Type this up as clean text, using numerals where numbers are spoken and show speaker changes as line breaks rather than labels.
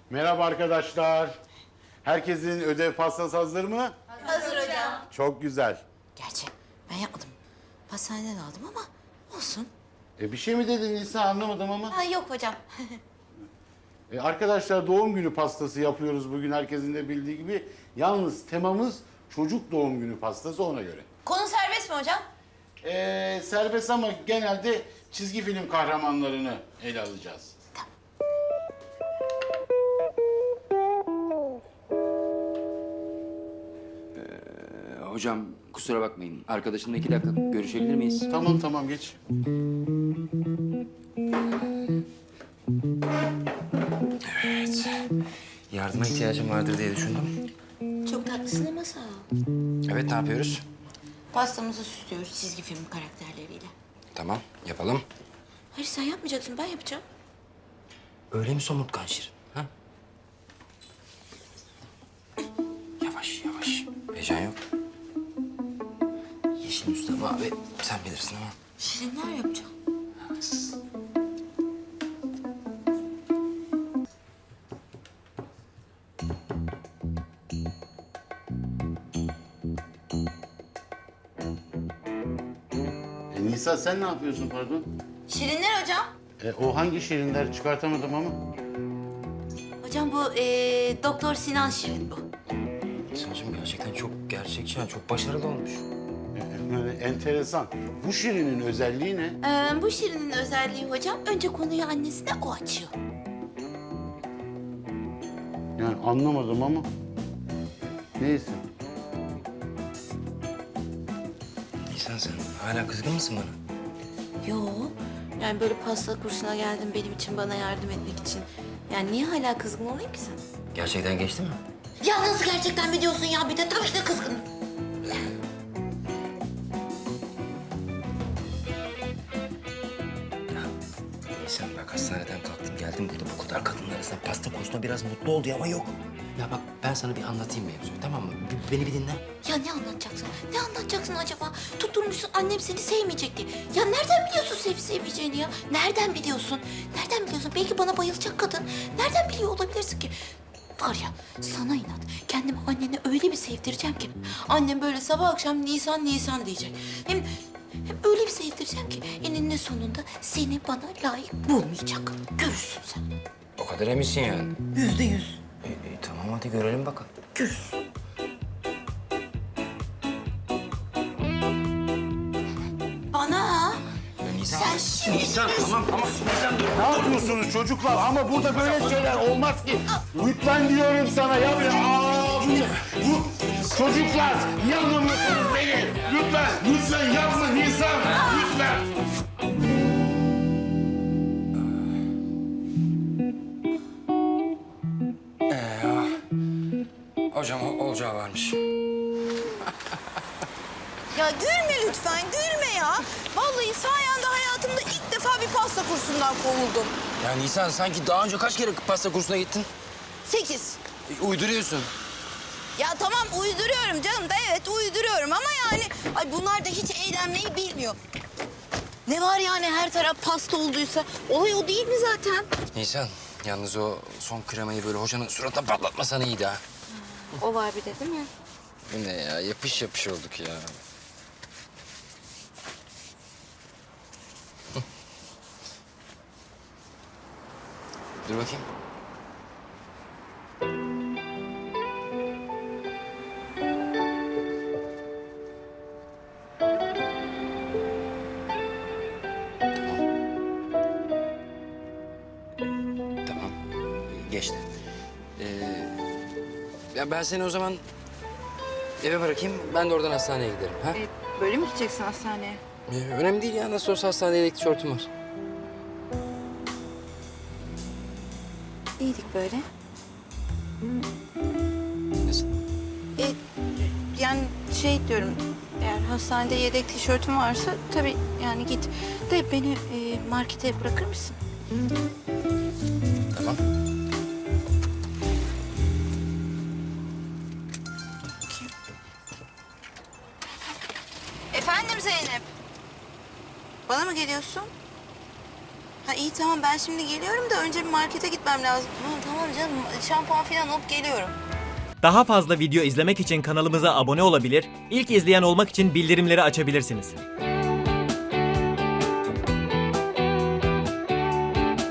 Merhaba arkadaşlar. Herkesin ödev pastası hazır mı?
Hazır hocam.
Çok güzel.
Gerçi ben yapmadım. Pastaneden aldım ama olsun.
Bir şey mi dedin Nisa, anlamadım ama.
Ha, yok hocam.
Arkadaşlar doğum günü pastası yapıyoruz bugün, herkesin de bildiği gibi. Yalnız temamız çocuk doğum günü pastası, ona göre.
Konu serbest mi hocam?
Serbest ama genelde çizgi film kahramanlarını ele alacağız.
Hocam kusura bakmayın. Arkadaşımla 2 dakika görüşebilir miyiz?
Tamam geç.
Evet. Yardıma ihtiyacım vardır diye düşündüm.
Çok tatlısın ama sağ ol.
Evet, ne yapıyoruz?
Pastamızı süslüyoruz çizgi film karakterleriyle.
Tamam, yapalım.
Hayır, sen yapmayacaksın, ben yapacağım.
Öyle mi somurtkan Şirin? Ha? Yavaş. Heyecan yok. Yeşil Mustafa abi, sen bilirsin ama.
Şirinler yapacağım.
Nisa sen ne yapıyorsun pardon?
Şirinler hocam.
O hangi şirinler, çıkartamadım ama.
Hocam bu Doktor Sinan Şirin bu.
Sancım gerçekten çok gerçekçi, çok başarılı olmuş.
Enteresan. Bu şirinin özelliği ne?
Bu Şirin'in özelliği hocam, önce konuyu annesine o açıyor.
Yani anlamadım ama. Neyse.
Nisan, sen hala kızgın mısın bana?
Yo, yani böyle pasta kursuna geldim benim için, bana yardım etmek için. Yani niye hala kızgın olayım ki sen?
Gerçekten geçti mi?
Ya nasıl gerçekten mi diyorsun ya? Bir de tabii ki de kızgınım.
Nisan bak, hastaneden kalktım geldim burada bu kadar kadının arasında pasta kursuna biraz mutlu oldu ama yok. Ya bak, ben sana bir anlatayım mevzuyu, tamam mı? Beni bir dinle.
Ya ne anlatacaksın? Ne anlatacaksın acaba? Tutturmuşsun annem seni sevmeyecek diye. Ya nereden biliyorsun sevip sevmeyeceğini ya? Nereden biliyorsun? Nereden biliyorsun? Belki bana bayılacak kadın. Nereden biliyor olabilirsin ki? Var ya, sana inat. Kendimi annene öyle bir sevdireceğim ki. Annem böyle sabah akşam Nisan diyecek. Hem öyle bir sevdireceğim ki eninde sonunda seni bana layık bulmayacak. Görürsün sen.
O kadar eminsin yani.
%100.
Tamam, hadi görelim bakalım.
Görürsün. Bana
Nisan.
sen
Nisan, tamam. Nisan dur.
Ne yapıyorsunuz çocuklar? Ama burada böyle şeyler olmaz ki. Lütfen diyorum sana ya. Bu çocuklar, niye anlamıyorsunuz beni? Lütfen yapma Nisan. Lütfen.
Hocam olacağı varmış.
Ya gülme lütfen, gülme ya. Vallahi sayende hayatımda ilk defa bir pasta kursundan kovuldum.
Ya Nisan, sanki daha önce kaç kere pasta kursuna gittin?
8.
Uyduruyorsun.
Ya tamam uyduruyorum canım da evet uyduruyorum ama yani... Ay bunlar da hiç eğlenmeyi bilmiyor. Ne var yani her taraf pasta olduysa? Olay o değil mi zaten?
Nisan, yalnız o son kremayı böyle hocanın suratına patlatmasan iyiydi ha.
o var bir de değil mi?
Bu ne ya? Yapış olduk ya. Dur bakayım. Tamam. Geçti. Ya ben seni o zaman eve bırakayım. Ben de oradan hastaneye giderim. Ha?
Böyle mi gideceksin hastaneye?
Önemli değil ya. Nasıl olsa hastanede tişörtüm var.
İyiydik böyle.
Nasıl?
Yani şey diyorum, eğer hastanede yedek tişörtün varsa tabii yani git. De beni markete bırakır mısın?
Tamam.
Efendim Zeynep. Bana mı geliyorsun? Ha iyi tamam ben şimdi geliyorum da önce bir markete gitmem lazım. Ha, tamam canım şampuan falan alıp geliyorum.
Daha fazla video izlemek için kanalımıza abone olabilir, ilk izleyen olmak için bildirimleri açabilirsiniz.